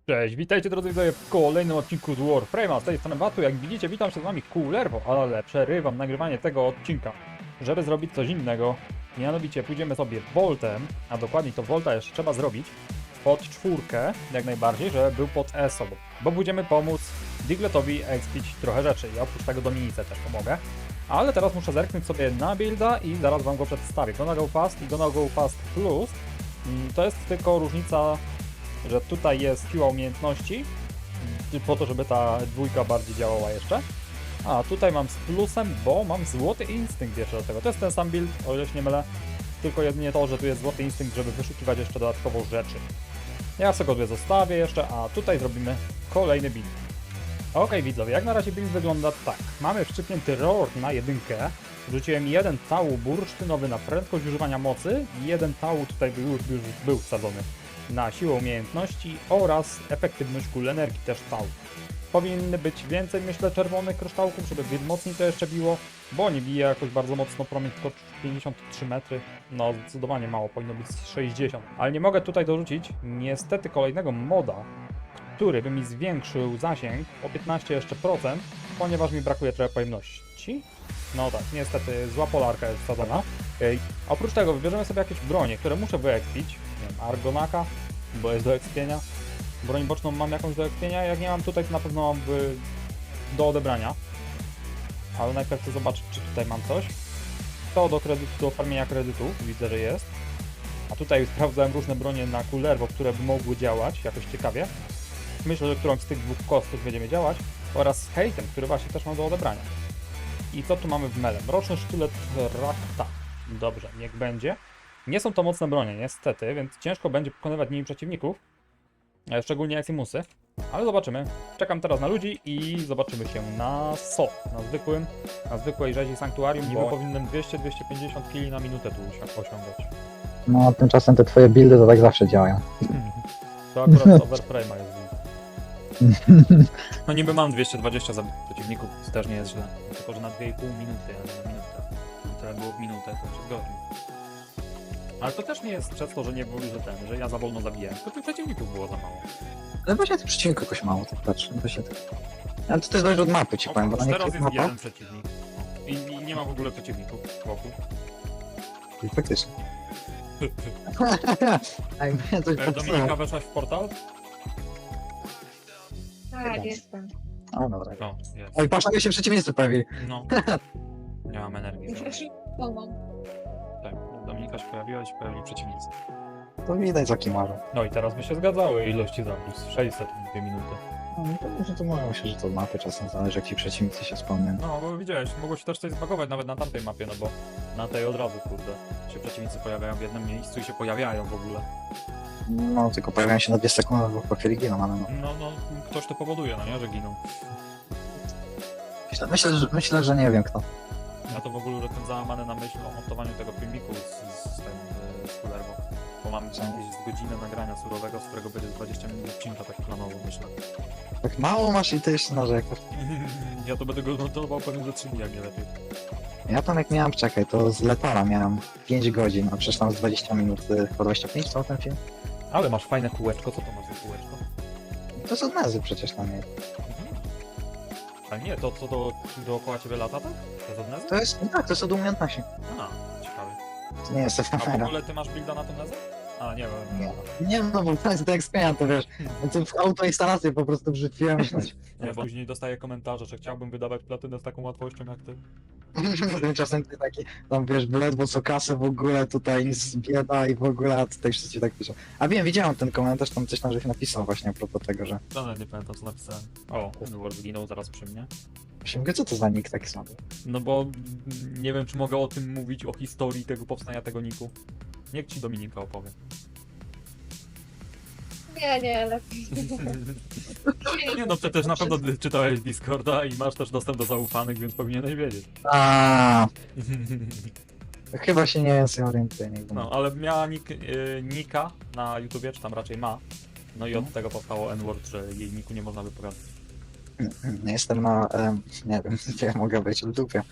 Cześć, witajcie drodzy widzowie w kolejnym odcinku z Warframe'a. Z tej strony Batu, jak widzicie, witam się z wami Coolerwo, ale przerywam nagrywanie tego odcinka, żeby zrobić coś innego. Mianowicie pójdziemy sobie Voltem, a dokładniej to Volta jeszcze trzeba zrobić pod czwórkę, jak najbardziej, żeby był pod ESO, bo będziemy pomóc Digletowi expić trochę rzeczy i oprócz tego Dominice też pomogę. Ale teraz muszę zerknąć sobie na builda i zaraz wam go przedstawię. Gonna Go Fast i Gonna Go Fast Plus. To jest tylko różnica, że tutaj jest siła umiejętności, po to, żeby ta dwójka bardziej działała jeszcze. A tutaj mam z plusem, bo mam złoty instynkt jeszcze do tego. To jest ten sam build, o ile się nie mylę, tylko jedynie to, że tu jest złoty instynkt, żeby wyszukiwać jeszcze dodatkowo rzeczy. Ja sobie go tutaj zostawię jeszcze, a tutaj zrobimy kolejny build. Okej, widzowie, jak na razie build wygląda tak. Mamy wszczypnięty roar na jedynkę. Wrzuciłem jeden tału bursztynowy na prędkość używania mocy i jeden tału tutaj już był wsadzony na siłę umiejętności oraz efektywność kul energii też tału. Powinny być więcej, myślę, czerwonych kryształków, żeby mocniej to jeszcze biło, bo nie bije jakoś bardzo mocno promień, tylko 53 metry. No, zdecydowanie mało, powinno być 60. Ale nie mogę tutaj dorzucić niestety kolejnego moda, który by mi zwiększył zasięg o 15 jeszcze procent, ponieważ mi brakuje trochę pojemności. No tak, niestety zła polarka jest wsadzona. Oprócz tego wybierzemy sobie jakieś bronie, które muszę wyekspić. Nie wiem, Argonaka, bo jest do ekspienia. Broń boczną mam jakąś do ekspienia, jak nie mam tutaj, to na pewno mam do odebrania. Ale najpierw chcę zobaczyć, czy tutaj mam coś. To do farmienia kredytów, widzę, że jest. A tutaj sprawdzałem różne bronie na Coolerwo, które by mogły działać jakoś ciekawie. Myślę, że którąś z tych dwóch kostek będziemy działać. Oraz z hejtem, który właśnie też mam do odebrania. I co tu mamy w mele? Mroczny sztylet Rakta. Dobrze, niech będzie. Nie są to mocne bronie, niestety, więc ciężko będzie pokonywać nimi przeciwników. Szczególnie Eximusy. Ale zobaczymy. Czekam teraz na ludzi i zobaczymy się na SO. Na zwykłej rzezi Sanktuarium, bo powinienem 200-250 kili na minutę tu osiągać. No, a tymczasem te twoje buildy to tak zawsze działają. To akurat z Overframe'a jest build. No niby mam 220 zabitych przeciwników, to też nie jest źle. Tylko, że na 2,5 minuty, a nie na minutę. Tyle było w minutę, to 3 godzin. Ale to też nie jest przez to, że nie było, że ja za wolno zabijałem, tylko tych przeciwników było za mało. Ale właśnie tych przeciwników jakoś mało, tak patrzę. To się tak... Ale to też zależy od mapy, ci powiem, bo na Teraz niektórych jest mapach... jeden przeciwnik. I nie ma w ogóle przeciwników wokół. I faktycznie. Ej, mnie coś popsuło. Dominika, weszłaś w portal? Tak, jestem. O, dobra. No, jest. Oj, patrz, nagle się przeciwnicy pojawili. No. Nie mam energii. Pomam. Tak, Dominika się pojawiła i się pojawili przeciwnicy. To widać, za kim marzą. No i teraz by się zgadzały ilości zabójstw. 600 w 2 minuty. No, to może to mówią się, że to od mapy czasem zależy, jak ci przeciwnicy się spełniają. No, bo widziałeś, mogło się też coś zbagować nawet na tamtej mapie, no bo na tej od razu, kurde, się przeciwnicy pojawiają w jednym miejscu i się pojawiają w ogóle. No, tylko pojawiają się na 2 sekundy, bo po chwili giną, ale no. No, ktoś to powoduje, no nie, że giną. Myślę, że nie wiem kto. Ja to w ogóle jestem załamany na myśl o montowaniu tego filmiku z Coolerwo. Bo mam jakieś z godzinę nagrania surowego, z którego będzie 20 minut odcinka, tak planowo myślę. Tak mało masz i ty jeszcze narzekasz. Ja to będę go montował pewnie za 3 dni, jak nie lepiej. Ja tam jak miałem, czekaj, to z Letala miałem 5 godzin, a przecież tam z 20 minut, chyba 25, co ten film? Ale masz fajne kółeczko, co to masz za kółeczko? To jest od Nezy przecież tam jest. Ale nie, to co dookoła ciebie lata, tak? To jest od Nezy? To jest, tak, to jest od umiejętności. A, ciekawe. To nie jest A w efemera. ogóle ty masz builda na tą Nezę? A, nie wiem. Nie, no bo to jest tak spienia, to wiesz. Więc w autoinstalację po prostu wrzuciłem. Nie, bo później dostaję komentarze, że chciałbym wydawać platynę z taką łatwością jak ty. Tymczasem ty taki, tam wiesz, ledwo co kasę w ogóle, tutaj nic bieda i w ogóle, a tutaj wszyscy tak piszą. A wiem, widziałem ten komentarz, tam coś tam żeś napisał właśnie a propos tego, że... Nawet nie pamiętam co napisałem. O, Edward zginął zaraz przy mnie. Mówię, co to za nick taki słaby? No bo nie wiem czy mogę o tym mówić, o historii tego powstania tego niku. Niech ci Dominika opowie. Nie, lepiej. Nie no, przecież na pewno czytałeś Discorda i masz też dostęp do zaufanych, więc powinieneś wiedzieć. A, chyba się nie orientuję, nie wiem. No, ale miała nika na YouTubie, czy tam raczej ma. No i od tego powstało N-word, że jej niku nie można wypowiadać. Jestem na, nie wiem, gdzie ja mogę być, w dupie.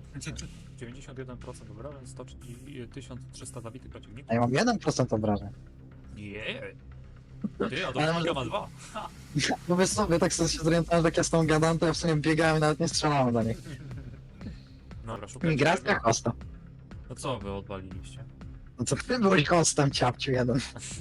91% obrażeń, 1300 zabitych A przeciwników. ja mam 1% obrażeń. Nie. Ty, a Ale to może- Czynka ma 2. No wiesz sobie, tak sobie się zorientowałem, że jak ja z tą gadam, to ja w sumie biegałem i nawet nie strzelałem do nich. Dobra, szukaj. Migracja hosta. No co wy odwaliliście? No co ty byłeś hostem, ciapciu jeden.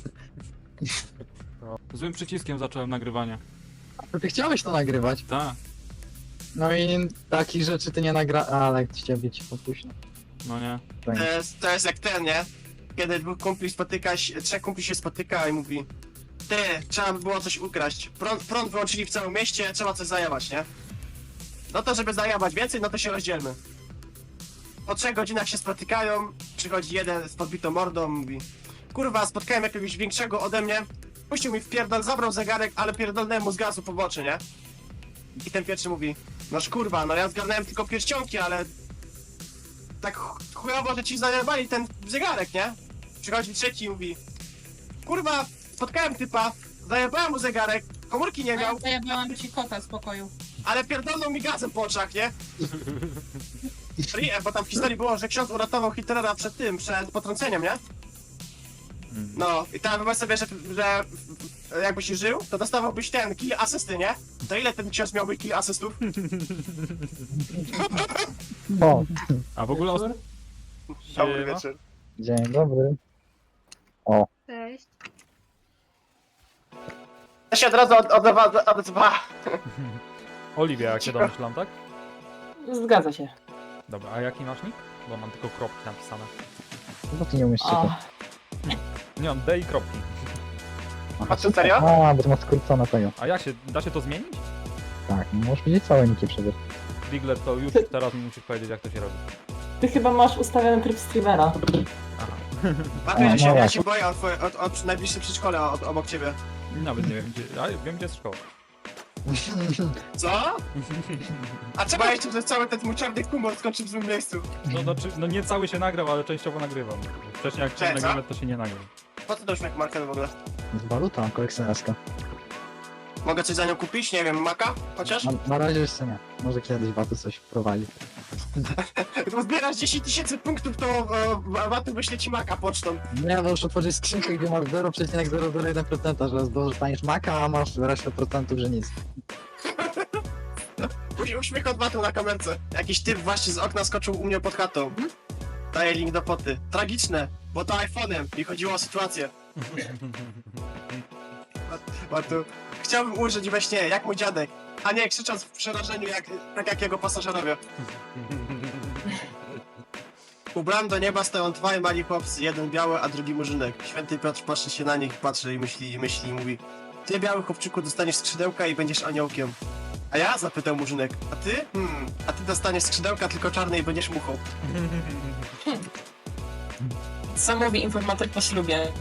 Złym przyciskiem zacząłem nagrywanie. To ty chciałeś to nagrywać. Tak. No i takich rzeczy ty nie nagra... Ale ciebie ci popuśno. No nie. To jest jak ten, nie? Kiedy trzech kumpli się spotyka i mówi: ty, trzeba by było coś ukraść. Prąd wyłączyli w całym mieście, trzeba coś zajebać, nie? No to żeby zajebać więcej, no to się rozdzielmy. Po 3 godzinach się spotykają, przychodzi jeden z podbitą mordą, mówi: kurwa, spotkałem jakiegoś większego ode mnie, puścił mi w pierdol, zabrał zegarek, ale pierdolnąłem mu z gazu po boczy, nie? I ten pierwszy mówi: noż kurwa, no ja zgarnąłem tylko pierścionki, ale tak chujowo, że ci zajebali ten zegarek, nie? Przychodzi trzeci i mówi: kurwa, spotkałem typa, zajebałem mu zegarek, komórki nie miał, Zajebałam ci kota z pokoju. ale pierdolnął mi gazem po oczach, nie? Bo tam w historii było, że ksiądz uratował Hitlera przed potrąceniem, nie? No, i tam wyobraź sobie, że jakbyś żył, to dostawałbyś ten kill asysty, nie? To ile ten ksiądz miałby kill asystów? O, A w ogóle... Dobry wieczór. dzień dobry. Cześć. Ja się od razu odzwa. Oliwia, jak się domyślam, tak? Zgadza się. Dobra, a jaki masz nick? Bo mam tylko kropki napisane. Bo ty nie umiesz czytać. Nie, mam D i kropki. A co, serio? A, bo to ma skrócone tego. A jak się... Da się to zmienić? Tak, możesz widzieć całe niki przecież. Bigler, to już teraz mi musisz powiedzieć, jak to się robi. Ty chyba masz ustawiony tryb streamera. Aha. Patrzę, ja no się właśnie. boję od najbliższej przedszkola obok ciebie. Nawet nie wiem, gdzie... A wiem, gdzie jest szkoła. Co? A czemu ja się, że cały ten mój czarny humor skończył w złym miejscu? No, znaczy, no nie cały się nagrał, ale częściowo nagrywam. Wcześniej jak Cześć, nagrywamy, to się nie nagrał. Po co to uśmiech marker w ogóle? Z waluta kolekcjonerska. Mogę coś za nią kupić? Nie wiem, maka? Chociaż? Na razie jeszcze nie. Może kiedyś Watu coś wprowadzi. Gdy zbierasz 10 000 punktów, to Watu wyśle ci maka pocztą. Nie, możesz otworzyć skrzynkę, gdzie masz 0,001%, że dostaniesz maka, a masz resztę procentów, że nic. Uśmiech od Watu na kamerce. Jakiś typ właśnie z okna skoczył u mnie pod chatą. Daję link do poty. Tragiczne, bo to iPhone'em i chodziło o sytuację. Watu, chciałbym użyć we śnie, jak mój dziadek, a nie krzycząc w przerażeniu, tak jak jego pasażerowie. Ubrany do nieba stoją dwaj mali chłopcy, jeden biały, a drugi murzynek. Święty Piotr patrzy się na nich, patrzy i myśli i mówi: ty, biały chłopczyku, dostaniesz skrzydełka i będziesz aniołkiem. A ja? Zapytał murzynek. A ty? A ty dostaniesz skrzydełka tylko czarne i będziesz muchą. Co mówi informatyk po ślubie?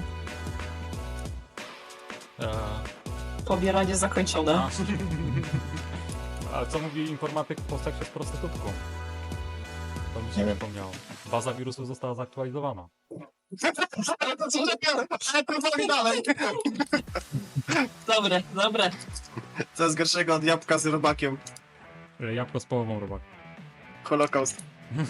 Pobieranie zakończone. A co mówi informatyk po seksie z prostytutką? To mi się nie przypomniało. Baza wirusów została zaktualizowana. Ale to co lepiej, ale to woli dalej. Dobre. Co jest gorszego od jabłka z robakiem? Jabłko z połową robak. Holokaust.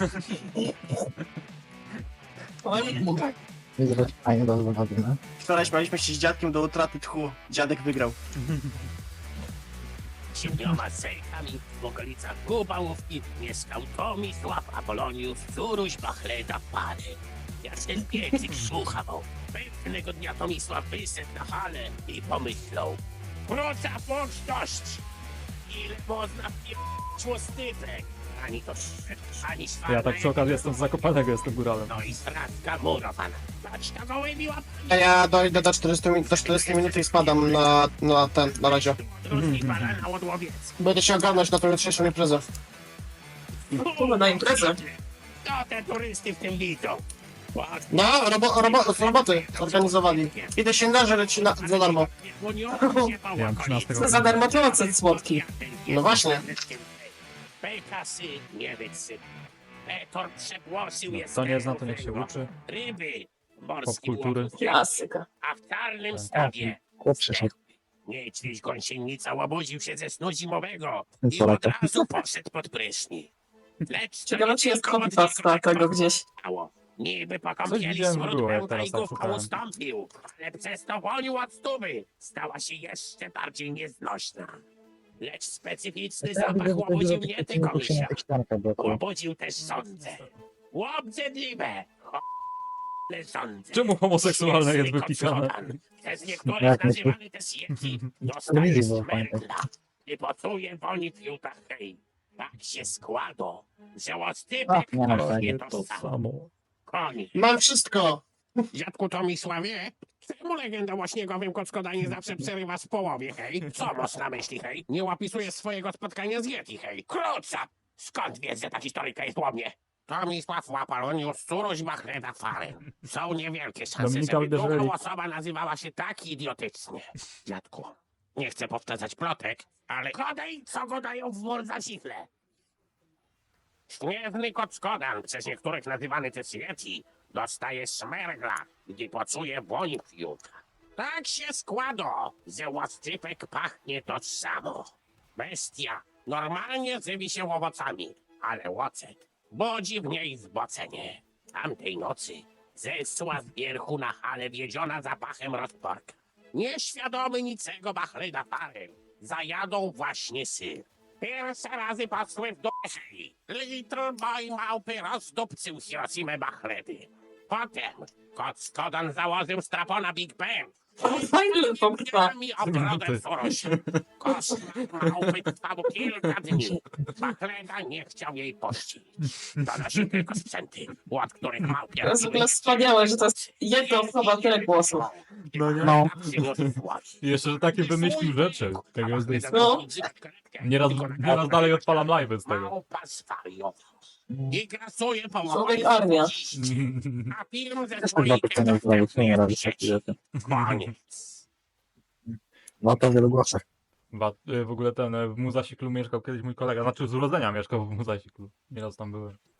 Oj, I zobacz, fajnie do zawody, no. Wczoraj śmialiśmy się z dziadkiem do utraty tchu. Dziadek wygrał. 7 sejkami w okolicach Kubałówki mieszkał Tomisław Apolonius, córuś Bachleda Pany. Jak ten piecyk słuchał, pewnego dnia Tomisław wyszedł na halę i pomyślał: wróca pocztość! Ile można p***ć łostypek? Ani to ani szwarna, Ja tak przy okazji jestem z Zakopanego, jestem góralem. no i stratka murowana. Paczka gołębiła A ja dojdę do 40 minut i spadam na razie. rozjebana na odłowiec. Będę się ogarnąć na tą jutrzejszą imprezę. Kurwa, na imprezę. To te turysty w tym widzą. No, z roboty organizowali. Idę się nażreć za darmo. Ja mam 13 Co za darmo to ocet słodki. No właśnie. Pekasy nie wysyp. Petor przegłosił No, jest. kto nie zna, to niech się uczy. Ryby, morskie Popkultury. łowy, Klasyka. a w czarnym stawie Chłop przyszedł. niedźwiedź gąsienica łabudził się ze snu zimowego i Co od lata? razu poszedł pod prysznic. Lecz to Ciekawe, nie czy jest tylko copypasta od niego tego gdzieś. stało. Niby po Coś kąpieli widziałem, smród było, jak pełta teraz i tak główką szukałem. ustąpił, ale przez to wonił od stówy. Stała się jeszcze bardziej nieznośna. Lecz specyficzny zapach łobudził nie tylko misia. Łobudził też sądzę. Łobrzydliwe! Ale sądzę. Czemu homoseksualne jest Śmieszny wypisane? koczotan. Przez niektórych Jak nazywany też Yeti. Dostaje telewizji było fajne. smergla. I pocuje woni fiuta hej. Tak się składa, że oscypek nie ma to fajnie. nie to samo. Koniec. Mam wszystko! Dziadku Tomisławie, czemu legenda o śniegowym kockoda nie zawsze przerywa w połowie, hej? Co masz na myśli, hej? Nie opisujesz swojego spotkania z Yeti, hej? Krótsa! Skąd wiesz, że ta historyjka jest o mnie? Tomisław Łapalonius, Suruś Machleda Faren. Są niewielkie szanse, Dominika żeby uderzyli. druga osoba nazywała się tak idiotycznie. Dziadku, nie chcę powtarzać plotek, ale godaj, co go dają w wór za sifle. Śnieżny kockodan, przez niektórych nazywany też Yeti, dostaje smergla, gdy poczuje woń fiuta. Tak się składa, że łascypek pachnie to samo. Bestia normalnie żywi się owocami, ale łocet budzi w niej zbocenie. Tamtej nocy zesła z wierchu na hale wiedziona zapachem rozporka. Nieświadomy niczego Machleda Faren zajadą właśnie syr. Pierwsze razy pasły w duszy. Little Boy małpy rozdupcył Hiroshimę Machledy. Potem Kockodan założył strapona Big Ben. Fajny to trwa. Mi obrodę Suruś. Koszmar małpy trwał kilka dni. Machleda nie chciał jej pościć. Donosił tylko sprzęty, od których małpie... To jest w ogóle wspaniałe, że to jest jedna osoba, tyle głosów. No nie? No. I jeszcze, że takie wymyślił rzeczy. Tego jest dość... No. Nieraz dalej odpalam live'y z tego. Małpa zwariował. I grasuje po Człowiek armia. A film ze Chyba to co nie zdaje, co nie robi sieci. takie rzeczy. Koniec. No to w wielu głosach. W ogóle ten w Muzasiklu mieszkał kiedyś mój kolega, znaczy z urodzenia mieszkał w Muzasiklu. Nieraz tam byłem.